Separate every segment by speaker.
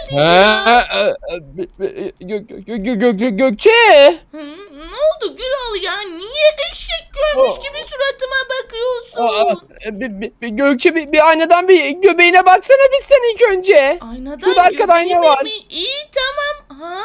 Speaker 1: biraz?
Speaker 2: Ha, Gökçe.
Speaker 1: Ne oldu Gürol ya? Niye eşek görmüş gibi suratıma
Speaker 2: Aa,
Speaker 1: bakıyorsun?
Speaker 2: Gökçe bir aynadan bir göbeğine baksana biz sen ilk önce. Şurada
Speaker 1: Aynadan
Speaker 2: arkada ayna
Speaker 1: göbeğime
Speaker 2: var.
Speaker 1: mi? İyi tamam. Ha?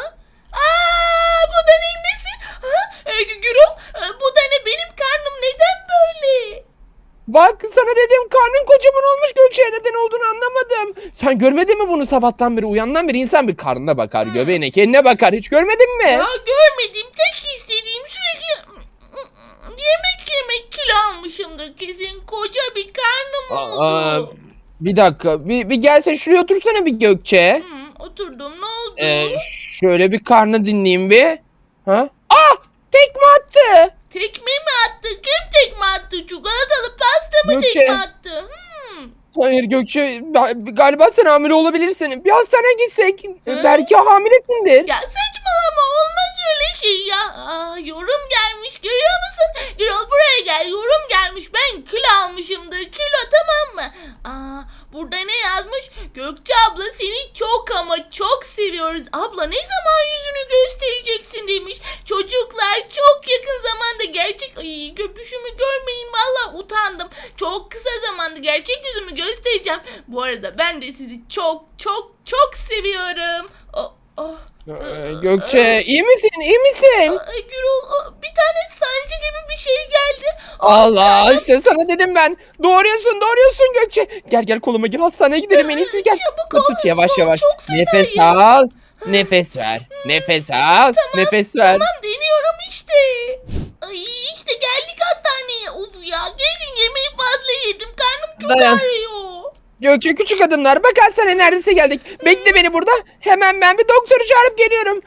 Speaker 1: Bu da neyin nesi? Gürol, bu da ne? Benim karnım neden böyle?
Speaker 2: Bak sana dedim karnın kocaman olmuş Gökçe, neden olduğunu anlamadım. Sen görmedin mi bunu sabahtan beri, uyandan beri insan bir karnına bakar, göbeğine, kendine bakar, hiç görmedin mi?
Speaker 1: Ya görmedim. Tek istediğim sürekli yemek yemek, kilo almışımdır kesin. Koca bir karnım
Speaker 2: Aa,
Speaker 1: oldu.
Speaker 2: bir dakika, bir gelsen şuraya otursana bir Gökçe.
Speaker 1: Oturdum, ne oldu?
Speaker 2: Şöyle bir karnı dinleyeyim bir. Ha? Ah, tekme attı.
Speaker 1: Tekme mi attı? Kim tekme attı? Çikolatalı pasta mı
Speaker 2: Gökçe.
Speaker 1: tekme attı?
Speaker 2: Hayır Gökçe, galiba sen hamile olabilirsin. Bir hastaneye gitsek.
Speaker 1: Hı?
Speaker 2: Belki hamilesindir.
Speaker 1: Ya saçmalama, olmaz öyle şey ya. Yorum gelmiş, görüyor musun? Gürol buraya gel, yorum gelmiş. Ben kilo almışımdır, kilo, tamam mı? Burada ne yazmış? Gökçe abla seni çok ama çok seviyoruz. Abla ne zaman yüzünü göstereceksin demiş. Çocuklar çok yakın zamanda gerçek... Ay, göbüşümü görmeyin, valla utandım. Çok kısa zamanda gerçek yüzümü göstereceğim. Bu arada ben de sizi çok çok çok seviyorum. Oh.
Speaker 2: Gökçe, iyi misin? İyi misin?
Speaker 1: Gürol, bir tane sancı gibi bir şey geldi.
Speaker 2: Allah, işte sana dedim ben. Doğruyorsun Gökçe. Gel koluma gir, hastaneye gidelim en iyisi, gel.
Speaker 1: Çabuk ol,
Speaker 2: Tut yavaş
Speaker 1: hızlı ol,
Speaker 2: yavaş.
Speaker 1: çok
Speaker 2: Nefes
Speaker 1: fenayım.
Speaker 2: al. Nefes ver. Nefes al. Nefes ver.
Speaker 1: Tamam, deniyorum işte. Ay, işte geldik hastaneye. Oldu ya, kesin yemeği fazla yedim. Karnım çok
Speaker 2: Dayan.
Speaker 1: ağrıyor.
Speaker 2: Gökçe, küçük adımlar. Bak hastaneye neredeyse geldik. Bekle beni burada. Hemen ben bir doktoru çağırıp geliyorum.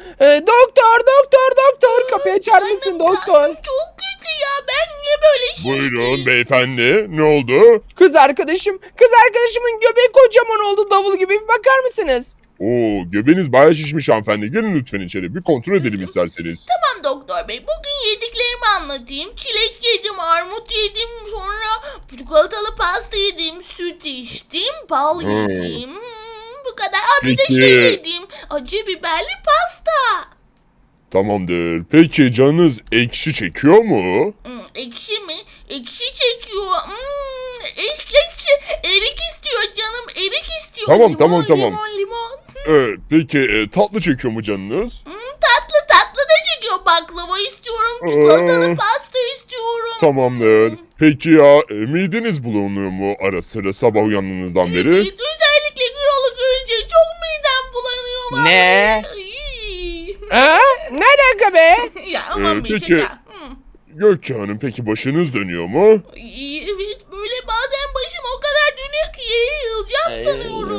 Speaker 2: Doktor. Kapıyı açar mısın doktor?
Speaker 1: Karnım çok kötü ya. Ben niye böyle
Speaker 3: Buyurun
Speaker 1: şiştim?
Speaker 3: beyefendi. Ne oldu?
Speaker 2: Kız arkadaşımın göbeği kocaman oldu, davul gibi. Bir bakar mısınız?
Speaker 3: Oo, göbeğiniz bayağı şişmiş hanımefendi. Gelin lütfen içeri. Bir kontrol edelim isterseniz.
Speaker 1: Tamam doktor bey, bugün yediklerimi anlatayım. Çilek yedim, armut yedim, sonra çikolatalı pasta yedim, süt içtim, bal yedim. Bu kadar. Bir de
Speaker 3: Peki.
Speaker 1: şey yedim, acı biberli pasta.
Speaker 3: Tamamdır. Peki canınız ekşi çekiyor mu?
Speaker 1: Ekşi mi? Ekşi çekiyor. Ekşi. Erik istiyor canım, erik istiyor.
Speaker 3: Tamam,
Speaker 1: Limon,
Speaker 3: tamam.
Speaker 1: Limon.
Speaker 3: Evet. Peki tatlı çekiyor mu canınız?
Speaker 1: Tatlı da çekiyor. Baklava istiyorum, çikolatalı pasta istiyorum.
Speaker 3: Tamamdır. Peki ya mideniz bulunuyor mu ara sıra sabah uyandığınızdan beri?
Speaker 1: Evet, özellikle Gürol'u görünce çok midem bulanıyor. vallahi.
Speaker 2: Ne?
Speaker 1: Ay.
Speaker 2: Ha? Ne alaka be?
Speaker 1: Ya aman bir
Speaker 3: peki.
Speaker 1: şaka.
Speaker 3: Gökçe Hanım peki başınız dönüyor mu?
Speaker 1: Evet, böyle bazen başım o kadar dönüyor ki yere yığılacağım sanıyorum.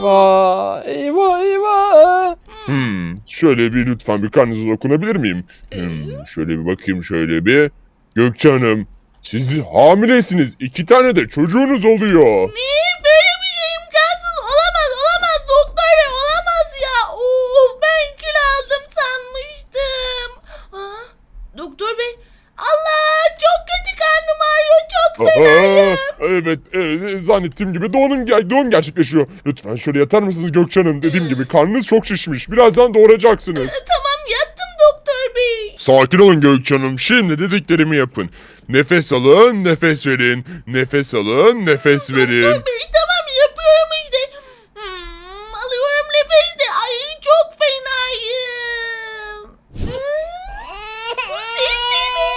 Speaker 2: Eyvah.
Speaker 3: Şöyle bir lütfen bir karnınıza dokunabilir miyim? Şöyle bir bakayım şöyle bir. Gökçe Hanım, siz hamilesiniz. 2 tane de çocuğunuz oluyor.
Speaker 1: Ne? Böyle bir şey imkansız. Olamaz doktor bey, olamaz ya. Of, ben kilo aldım sanmıştım. Doktor bey, Allah, çok kötü karnım ağrıyor, çok fenayım.
Speaker 3: Evet, zannettiğim gibi doğum gerçekleşiyor. Lütfen şöyle yatar mısınız Gökçe Hanım? Dediğim gibi karnınız çok şişmiş. Birazdan doğuracaksınız.
Speaker 1: Tamam, yattım doktor bey.
Speaker 3: Sakin olun Gökçe Hanım. Şimdi dediklerimi yapın. Nefes alın, nefes verin. Nefes alın, nefes verin.
Speaker 1: Doktor bey, tamam, yapıyorum işte. Alıyorum nefes de. Ay, çok fenayım. Bu ses de ne?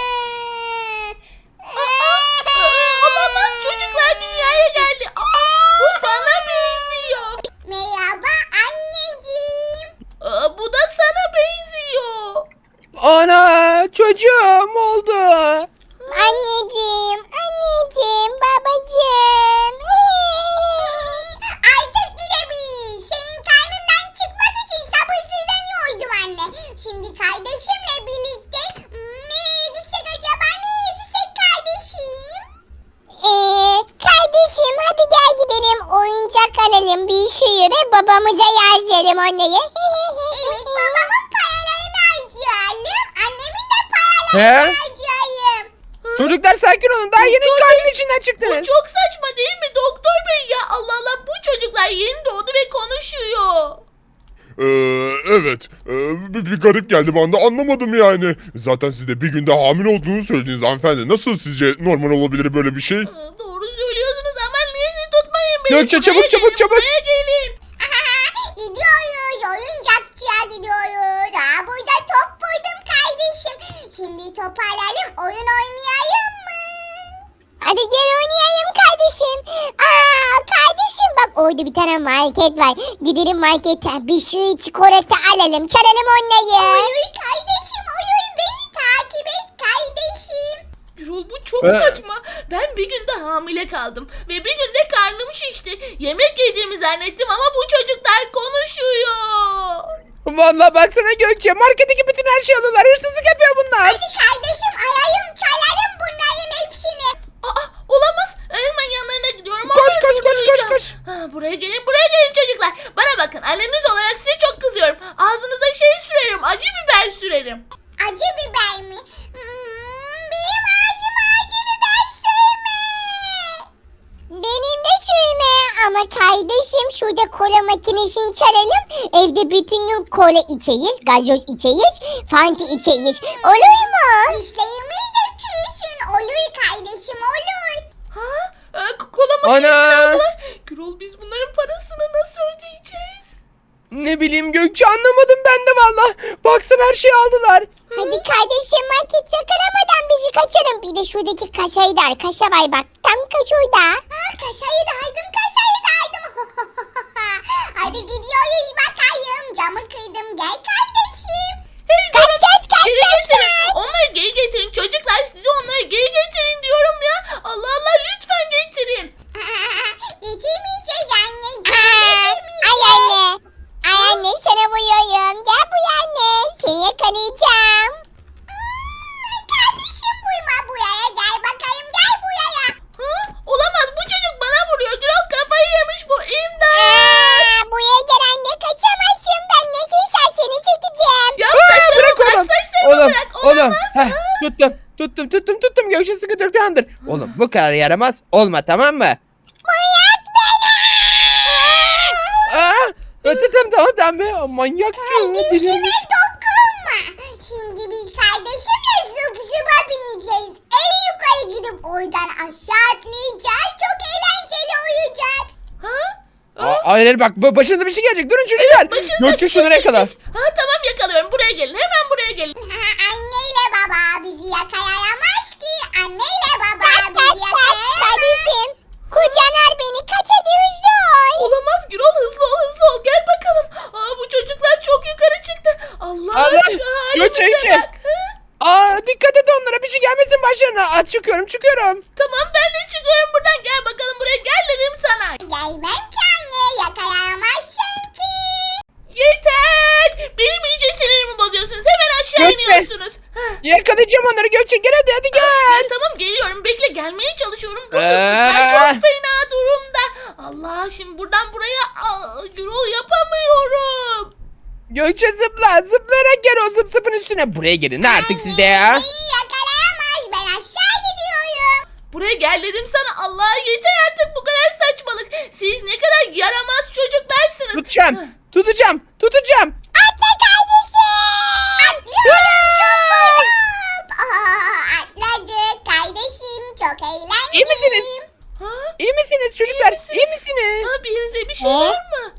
Speaker 1: Olamaz, çocuklar dünyaya geldi. Bu bana benziyor.
Speaker 4: Merhaba anneciğim.
Speaker 1: Bu da sana benziyor.
Speaker 2: Ana, çocuğum oldu.
Speaker 4: Anneciğim, babacığım. Artık gidebiliriz. Senin karnından çıkmak için sabırsızlanıyordum anne. Şimdi kardeşimle birlikte nereye gitsek acaba? Nereye gitsek kardeşim? Kardeşim hadi gel gidelim. Oyuncak alalım bir sürü ve babamıza yazalım onları. Evet, babamın paralarını harcayalım. Annemin de paralarını
Speaker 2: He?
Speaker 4: harcayalım.
Speaker 2: Çocuklar sakin olun, daha yeni karnın içinden
Speaker 1: Bu
Speaker 2: çıktınız.
Speaker 1: çok saçma değil mi doktor bey ya? Allah Allah, bu çocuklar yeni doğdu ve konuşuyor.
Speaker 3: Evet. Bir garip geldi bana da anlamadım yani. Zaten siz de bir günde hamile olduğunu söylediniz hanımefendi. Nasıl sizce normal olabilir böyle bir şey?
Speaker 1: Doğru söylüyorsunuz ama neyse tutmayın beni.
Speaker 2: Gökçe,
Speaker 1: Buraya
Speaker 2: çabuk, çabuk,
Speaker 1: gelin,
Speaker 2: çabuk.
Speaker 1: Buraya gelin.
Speaker 4: Gidiyoruz. Oyuncakçıya gidiyoruz. Burada top buldum kardeşim. Şimdi toparlayalım. Oyun oynayalım mı? Hadi gel oynayalım kardeşim. Kardeşim bak orada bir tane market var. Gidelim markete. Bir sürü çikolata alalım. Çalalım onları. Olur kardeşim olur. Beni takip et kardeşim.
Speaker 1: Gürol bu çok saçma. Ben bir günde hamile kaldım. Ve bir günde karnım şişti. Yemek yediğimi zannettim ama bu çocuklar konuşuyor.
Speaker 2: Vallahi baksana Gökçe, marketteki bütün her şeyi alıyorlar. Hırsızlık yapıyor bunlar.
Speaker 4: Hadi kardeşim alayım çalalım bunların hepsini.
Speaker 1: Olamaz. Hemen yanlarına gidiyorum.
Speaker 2: Koş,
Speaker 1: Onları
Speaker 2: koş, koş, koş,
Speaker 1: durduracağım.
Speaker 2: koş.
Speaker 1: Buraya gelin çocuklar. Bana bakın, anneniz olarak size çok kızıyorum. Ağzınıza şey sürerim, acı biber sürerim.
Speaker 4: Acı biber mi? Benim ağzım acı biber sürme. Benim de sürme ama kardeşim şurada kola makinesini çalalım. Evde bütün gün kola içeyiz, gazoz içeyiz, fanta içeyiz. Olur mu? Dişlerimiz de çürüsün. Olur kardeşim olur.
Speaker 1: Kola makinesini
Speaker 2: Ana!
Speaker 1: aldılar. Gürol, biz bunların parasını nasıl ödeyeceğiz?
Speaker 2: Ne bileyim Gökçe, anlamadım ben de valla. Baksana her şeyi aldılar.
Speaker 4: Hadi kardeşim market yakalamadan bizi kaçalım. Bir de şuradaki kaşayı da al. Kaşa var bak. Tam kaşayda. Kaşayı da aldım. Kaşayı da aldım. Hadi gidiyoruz bakayım. Camı kırdım. Gel kardeşim.
Speaker 1: Hey,
Speaker 4: Kaç
Speaker 1: durun.
Speaker 4: kaç kaç
Speaker 1: Geri
Speaker 4: kaç
Speaker 1: getirin.
Speaker 4: kaç.
Speaker 1: Onları geri getirin çocuklar. Size onları geri getirin diyorum ya. Allah Allah, lütfen getirin.
Speaker 4: Getirmeyeceğiz anne. Ay anne. Ay anne sana vuruyorum. Gel buraya anne. Seni yakalayacağım. Kardeşim vurma buraya. Gel bakayım gel buraya.
Speaker 1: Olamaz, bu çocuk bana vuruyor. Gürol kafayı yemiş bu. İmdat.
Speaker 4: Buraya gel anne. Kaçamazsın. Ben nasıl seni çekeceğim.
Speaker 1: Ya
Speaker 2: Bırak
Speaker 1: saçlarımı
Speaker 2: oğlum.
Speaker 1: bırak, saçlarımı
Speaker 2: Oğlum,
Speaker 1: bırak.
Speaker 2: oğlum.
Speaker 1: Olamaz.
Speaker 2: Heh, tuttum. Gökçe sıkı tamamdır. Oğlum bu kadar yaramaz olma, tamam mı?
Speaker 4: Manyak beni.
Speaker 2: Tamam be. Manyak
Speaker 4: Kardeşime dokunma. Şimdi biz kardeşimle zıp zıpa bineceğiz. En yukarı gidip oradan aşağı atlayacağız. Çok eğlenceli olacak.
Speaker 2: Hayır bak, başınıza bir şey gelecek. Durun çocuklar.
Speaker 1: Başınıza
Speaker 2: Gökçe
Speaker 1: bir şey
Speaker 2: şunlara kadar.
Speaker 1: gelecek. Tamam, yakalıyorum. Buraya gelin. Hemen buraya gelin.
Speaker 4: Anneyle baba bizi yakalayamaz ki. Anneyle baba bizi yakalayamaz. Kardeşim. Kucanar beni kaç ediyorsun?
Speaker 1: Olamaz Gürol, hızlı ol. Gel bakalım. Bu çocuklar çok yukarı çıktı. Allah
Speaker 2: Allah,
Speaker 1: aşkına
Speaker 2: Gökçe,
Speaker 1: halimize
Speaker 2: Gökçe.
Speaker 1: bak.
Speaker 2: Dikkat et onlara, bir şey gelmesin başlarına. Çıkıyorum.
Speaker 1: Tamam, ben de çıkıyorum buradan. Gel bakalım buraya, gel dedim sana.
Speaker 4: Gelmem ki anne yakalayamazsın ki.
Speaker 1: Yeter. Benim iyice sinirimi bozuyorsunuz. Hemen aşağı
Speaker 2: Gökçe.
Speaker 1: iniyorsunuz.
Speaker 2: Yakalayacağım onları Gökçe. Gel hadi gel.
Speaker 1: Tamam, geliyorum. Bekle, gelmeye çalışıyorum. Bu
Speaker 2: Ee?
Speaker 1: zıplıklar çok fena durumda. Allah, şimdi buradan buraya Gürol yapamıyorum.
Speaker 2: Gökçe zıplayarak gel o zıpın üstüne. Buraya gelin artık siz de ya.
Speaker 4: Beni yakalayamaz ben aşağı gidiyorum.
Speaker 1: Buraya gel dedim sana. Allah, yeter artık bu kadar saçmalık. Siz ne kadar yaramaz çocuklarsınız.
Speaker 2: Tutacağım.
Speaker 4: Atla kardeşim. Atlıyorum. Atladık kardeşim çok eğlenceli.
Speaker 2: İyi misiniz? İyi misiniz çocuklar? İyi misiniz?
Speaker 1: Bir yerinize bir şey var mı?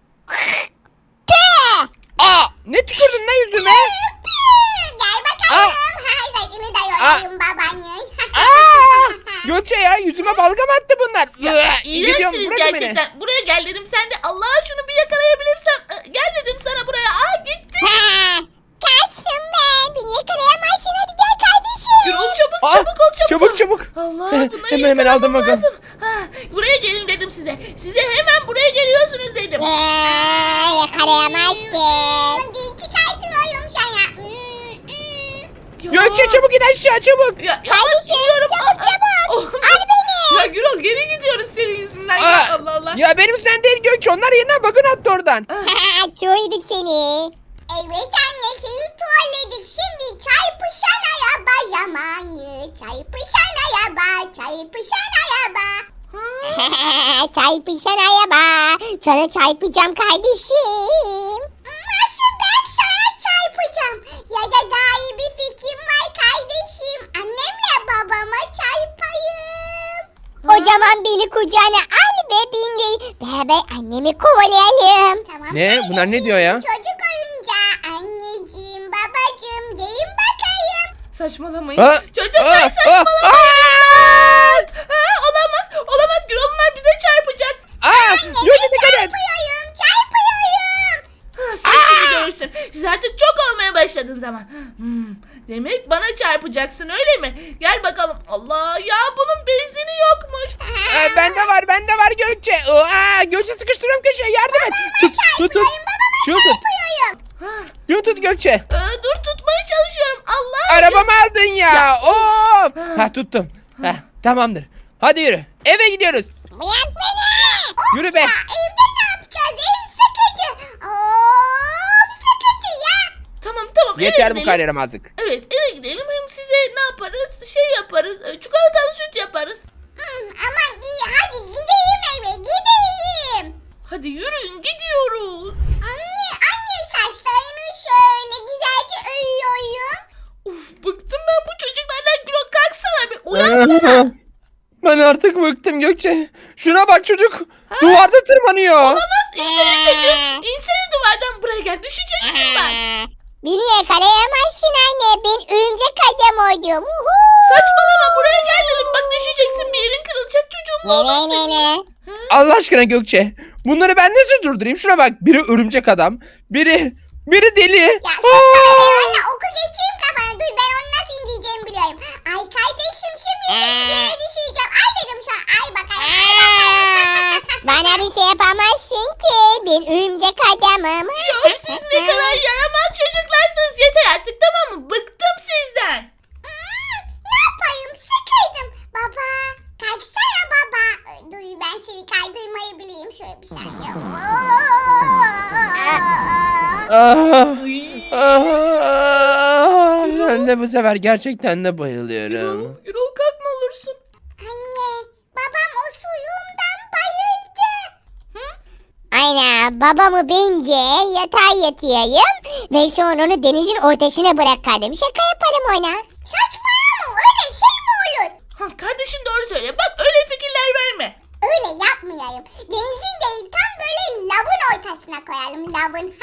Speaker 2: Ne tükürdün ne yüzüme?
Speaker 4: Gel bakalım. Saçını da yolayım babanın.
Speaker 2: Gökçe ya, yüzüme balgam attı bunlar.
Speaker 1: İğrençsiniz
Speaker 2: bırakın beni.
Speaker 1: gerçekten. Buraya gel dedim. Sen de Allah, şunu bir yakalayabilirsem. Gel dedim sana buraya. Gitti.
Speaker 4: Kaçtım ben. Beni yakalayamazsın hadi gel kardeşim.
Speaker 1: Gürol çabuk ol.
Speaker 2: Çabuk.
Speaker 1: Allah, bunları
Speaker 2: Hemen aldım
Speaker 1: yakalamam
Speaker 2: bakalım.
Speaker 1: lazım. Buraya gelin dedim size. Size hemen buraya geliyorsunuz dedim.
Speaker 4: Yakalayamazsın. Bir çıkartıyorum sana.
Speaker 2: Gökçe çabuk in aşağı çabuk.
Speaker 1: Kardeşim
Speaker 4: Çabuk. Al beni.
Speaker 1: Ya Gürol, geri gidiyoruz senin yüzünden. Ya Allah Allah.
Speaker 2: Ya benim üstünden değil Gökçe, onlar yeniden bakın attı oradan.
Speaker 4: Çoğuyduk seni. Evet anne seni tuvalledik. Şimdi çarpışan araba zamanı. Çarpışan araba. Çarpışan araba. Sana çarpacağım kardeşim. O zaman beni kucağına al ve bindir. Beraber annemi kovalayalım. Tamam.
Speaker 2: Ne? Bunlar ne diyor ya?
Speaker 4: Çocuk oyuncağı. Anneciğim, babacığım, gelin bakayım.
Speaker 1: Saçmalamayın.
Speaker 2: Ha?
Speaker 1: Çocuklar
Speaker 2: Aa,
Speaker 1: saçmalamayın. Olamaz. Olamaz Gürol, bunlar bize çarpacak.
Speaker 2: Gökçe dikkat et.
Speaker 4: Çarpıyorum.
Speaker 1: Sen şimdi görürsün. Siz artık çok olmaya başladınız ama. Demek bana çarpacaksın öyle mi? Gel bakalım. Allah ya, bunun benzini yokmuş.
Speaker 2: Bende var Gökçe. Gökçe sıkıştırıyorum köşeye, yardım et. Tut. Şunu tut. Şunu tut Gökçe.
Speaker 1: Dur, tutmaya çalışıyorum. Allah.
Speaker 2: Arabamı aldın ya. Of. Tuttum. Tamamdır. Hadi yürü. Eve gidiyoruz.
Speaker 4: Bırak beni.
Speaker 2: Yürü be.
Speaker 4: Evde ne yapacağız? Ev sıkıcı. Of, sıkıcı ya.
Speaker 1: Tamam eve
Speaker 2: Yeter bu
Speaker 1: gidelim.
Speaker 2: kadar yaramazlık.
Speaker 1: Evet, eve gidelim. Hem size ne yaparız? Şey yaparız. Çikolatalı süt yaparız.
Speaker 4: Aman iyi, hadi gidelim eve, gidelim.
Speaker 1: Hadi yürüyün, gidiyoruz.
Speaker 4: Anne saçlarımı şöyle güzelce örüyorum.
Speaker 1: Uf, bıktım ben bu çocuklardan. Gürol, kalksana bir, uyansana.
Speaker 2: Ben artık bıktım Gökçe. Şuna bak, çocuk duvarda tırmanıyor.
Speaker 1: Olamaz. İnsene çocuğum. İnsene duvardan, buraya gel. Düşeceksin bak.
Speaker 4: Beni yakalayamazsın anne, ben örümcek adam oldum.
Speaker 1: Saçmalama, buraya gel dedim. Bak düşeceksin, bir yerin kırılacak çocuğum.
Speaker 4: Ne?
Speaker 2: Allah aşkına Gökçe. Bunları ben nasıl durdurayım? Şuna bak. Biri örümcek adam. Biri deli.
Speaker 4: Ya sus bana be, valla oku geçeyim kafana, dur ben onu nasıl indireceğimi biliyorum. Ay kardeşim, şimdi seni yere düşüreceğim. Ay dedim sana, ay bakayım. Bana bir şey yapamazsın ki, ben örümcek adamım.
Speaker 1: Ya siz ne kadar yaramaz çocuklarsınız. Yeter artık, tamam mı? Bıktım sizden.
Speaker 4: Ne yapayım, sıkıldım. Baba, kalksana baba. Dur ben seni kaydırmayı bileyim, şöyle bir saniye.
Speaker 2: Ben de bu sefer gerçekten de bayılıyorum.
Speaker 1: Gürol, kalk ne olursun.
Speaker 4: Anne, babam o suyumdan bayıldı. Aynen, babamı bence yatağa yatırayım ve sonra onu denizin ortasına bırakalım. Şaka yaparım ona. Saçmalama, öyle şey mi olur?
Speaker 1: Kardeşim doğru söyle. Bak, öyle fikirler verme.
Speaker 4: Öyle yapmayayım. Denizin değil, tam böyle lavın ortasına koyalım, lavın.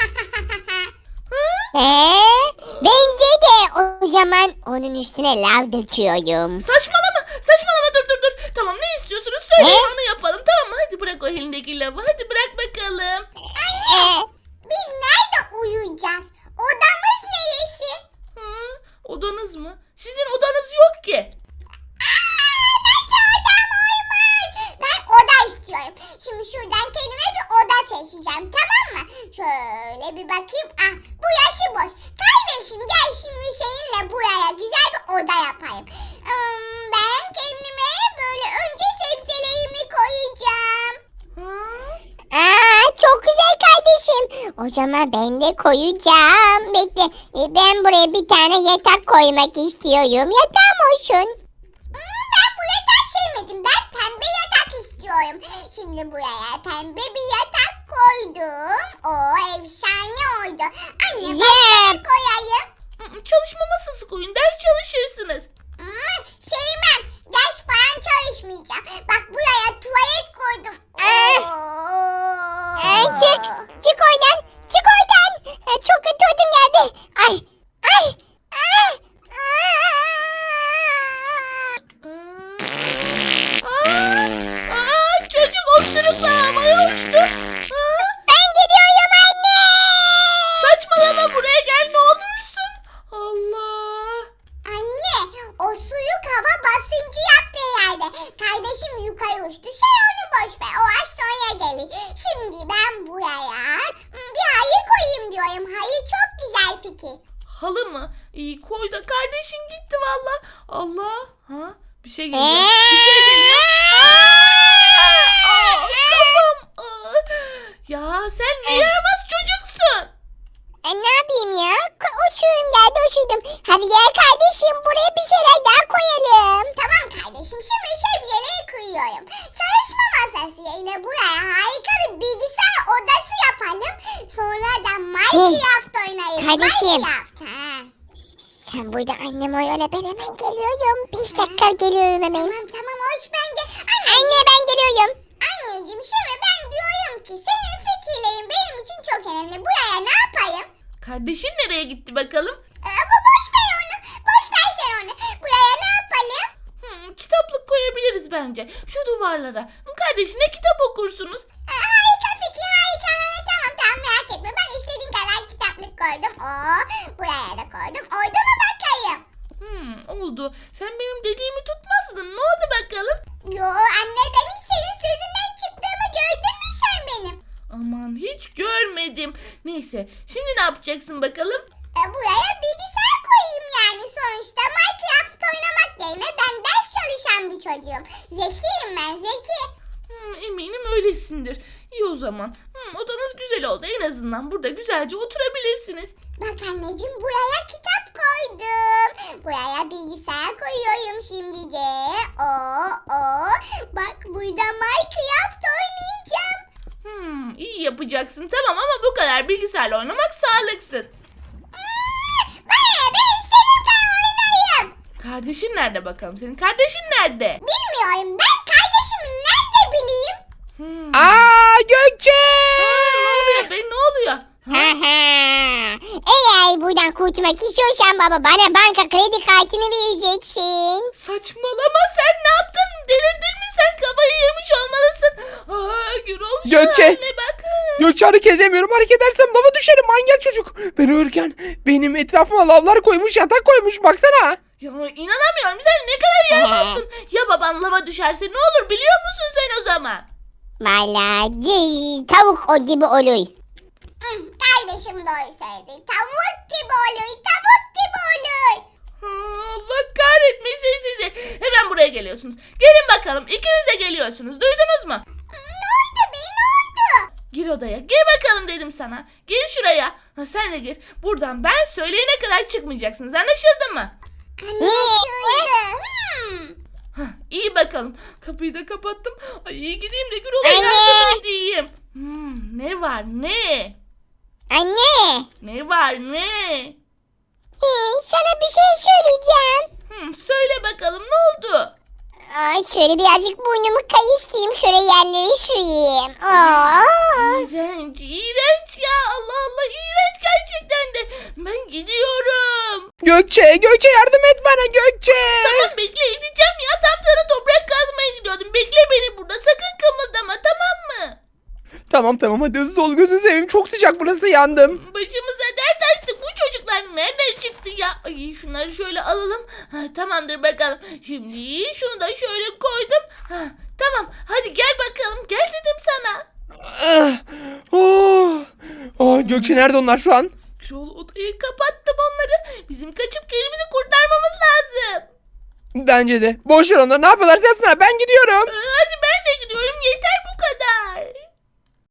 Speaker 4: Bence de o zaman onun üstüne lav döküyorum.
Speaker 1: Saçmalama, dur. Tamam, ne istiyorsunuz söyleyin, onu yapalım, tamam mı? Hadi bırak o elindeki lavı, hadi bırak bakalım.
Speaker 4: Biz nerede uyuyacağız? Odamız neresi?
Speaker 1: Odanız mı? Sizin odanız yok ki.
Speaker 4: Nasıl odam olmaz? Ben oda istiyorum. Şimdi şuradan kendime bir oda seçeceğim, tamam mı? Şöyle bir bakayım. Burası boş. Kardeşim gel şimdi seninle buraya güzel bir oda yapayım. Ben kendime böyle önce sebzelerimi koyacağım. Çok güzel kardeşim. O zaman ben de koyacağım. Bekle. Ben buraya bir tane yatak koymak istiyorum. Yatağım olsun. Ben bu yatak sevmedim. Ben pembe yatak istiyorum. Şimdi buraya pembe bir yatak koydum. O efsane oldu. Anne ben ne koyayım?
Speaker 1: Çalışma masası koyun, ders çalışırsınız.
Speaker 4: Sevmem. Ders falan çalışmayacağım. Bak buraya tuvalet koydum. Çık oradan. Çık oradan. Çok kötü ödüm geldi. Ay.
Speaker 1: Çocuk osurukla havaya uçtu.
Speaker 4: Ben gidiyorum anne.
Speaker 1: Saçmalama, buraya gel ne olursun. Allah.
Speaker 4: Anne, o suyu hava basıncı yaptı herhalde. Kardeşim yukarı uçtu. Sen onu boş ver. O az sonra gelir. Şimdi ben buraya bir hayır koyayım diyorum. Hayır çok güzel fikir.
Speaker 1: Halı mı? İyi koy da, kardeşin gitti valla. Allah. Bir şey geliyor. Bir şey geliyor. Kafam. Ya sen ne yaramaz çocuksun.
Speaker 4: Ne yapayım ya? Uçuyorum geldi uçurdum. Hadi gel kardeşim buraya bir şeyler daha koyalım. Tamam kardeşim, şimdi sebzeleri koyuyorum. Çalışma masası yerine buraya harika bir bilgisayar odası yapalım. Sonra da Minecraft oynayalım. Kardeşim. Sen burada annem oyala, ben hemen geliyorum. 5 dakika geliyorum hemen. Tamam hoş bende. Anne Anne ben geliyorum. Anneciğim şimdi ben diyorum ki senin fikirlerin benim için çok önemli. Buraya ne yapalım?
Speaker 1: Kardeşin nereye gitti bakalım?
Speaker 4: Boş ver onu. Boş ver sen onu. Buraya ne yapalım?
Speaker 1: Kitaplık koyabiliriz bence. Şu duvarlara. Kardeşine kitap okursunuz.
Speaker 4: Harika fikir harika. Tamam merak etme. Ben istediğin kadar kitaplık koydum. Buraya da koydum. Oldu mu bakayım?
Speaker 1: Oldu. Sen benim dediğimi tutmazdın. Ne oldu bakalım?
Speaker 4: Yo anne ben hiç senin sözünden çıktığımı gördün mü sen benim?
Speaker 1: Aman hiç görmedim. Neyse. Şimdi ne yapacaksın bakalım?
Speaker 4: Buraya bilgisayar koyayım yani sonuçta Minecraft oynamak yerine ben ders çalışan bir çocuğum. Zekiyim ben zeki.
Speaker 1: Eminim öylesindir. İyi o zaman. Odanız güzel oldu. En azından burada güzelce oturabilirsiniz.
Speaker 4: Bak anneciğim buraya kitap koydum. Buraya bilgisayar koyuyorum şimdi de. Bak burada Minecraft oynayacağım.
Speaker 1: İyi yapacaksın. Tamam ama bu kadar bilgisayarla oynamak sağlıksız.
Speaker 4: Ben istediğim kadar oynayayım.
Speaker 1: Kardeşin nerede bakalım? Senin kardeşin nerede?
Speaker 4: Bilmiyorum ben kardeşimi nerede bileyim?
Speaker 2: Gökçe!
Speaker 1: Ne oluyor be? Ne oluyor?
Speaker 4: Eğer buradan kurtulmak istiyorsan baba bana banka kredi kartını vereceksin.
Speaker 1: Saçmalama, sen ne yaptın? Delirdin mi sen? Kafayı yemiş olmalısın. Gürol şu
Speaker 2: Gökçe!
Speaker 1: haline bak.
Speaker 2: Gökçe hareket edemiyorum. Hareket edersem lava düşerim, manyak çocuk. Ben uyurken benim etrafıma lavlar koymuş, yatak koymuş. Baksana.
Speaker 1: Ya inanamıyorum, sen ne kadar yaramazsın. Ya baban lava düşerse ne olur biliyor musun sen o zaman?
Speaker 4: Valla tavuk o gibi olur. Kardeşim doğru söyledi. Tavuk gibi olur, tavuk gibi olur.
Speaker 1: Allah kahretmesin sizi. Hemen buraya geliyorsunuz. Gelin bakalım, ikiniz de geliyorsunuz. Duydunuz mu?
Speaker 4: Ne oldu be ne oldu?
Speaker 1: Gir odaya. Gir bakalım dedim sana. Gir şuraya. Sen de gir. Buradan ben söyleyene kadar çıkmayacaksınız. Anlaşıldı mı?
Speaker 4: Anlaşıldı.
Speaker 1: İyi bakalım. Kapıyı da kapattım. Ay iyi gideyim de Gürol'a
Speaker 4: Anne!
Speaker 1: yardım edeyim. Ne var ne?
Speaker 4: Anne.
Speaker 1: Ne var ne?
Speaker 4: Sana bir şey söyleyeceğim.
Speaker 1: Söyle bakalım ne oldu?
Speaker 4: Şöyle birazcık burnumu kayıştırayım. Şöyle yerleri süreyim.
Speaker 1: İğrenç, iğrenç ya. Allah Allah, iğrenç gerçekten de. Ben gidiyorum.
Speaker 2: Gökçe yardım et bana Gökçe.
Speaker 1: Tamam bekle, edeceğim ya. Tam sana toprak kazmaya gidiyordum. Bekle beni burada. Sakın kımıldama, tamam mı?
Speaker 2: Tamam hadi hızlı ol, gözünü seveyim, çok sıcak burası, yandım.
Speaker 1: Başımıza dert açtık. Bu çocuklar nereden çıktı ya? Ay şunları şöyle alalım. Tamamdır bakalım. Şimdi şunu da şöyle koydum. Tamam hadi gel bakalım. Gel dedim sana.
Speaker 2: Gökçe nerede onlar şu an?
Speaker 1: Gürol, odayı kapattım onları. Bizim kaçıp kendimizi kurtarmamız lazım.
Speaker 2: Bence de. Boş ver onları, ne yapıyorlarsa yapsınlar, ben gidiyorum.
Speaker 1: Hadi ben de gidiyorum. Yeter bu kadar.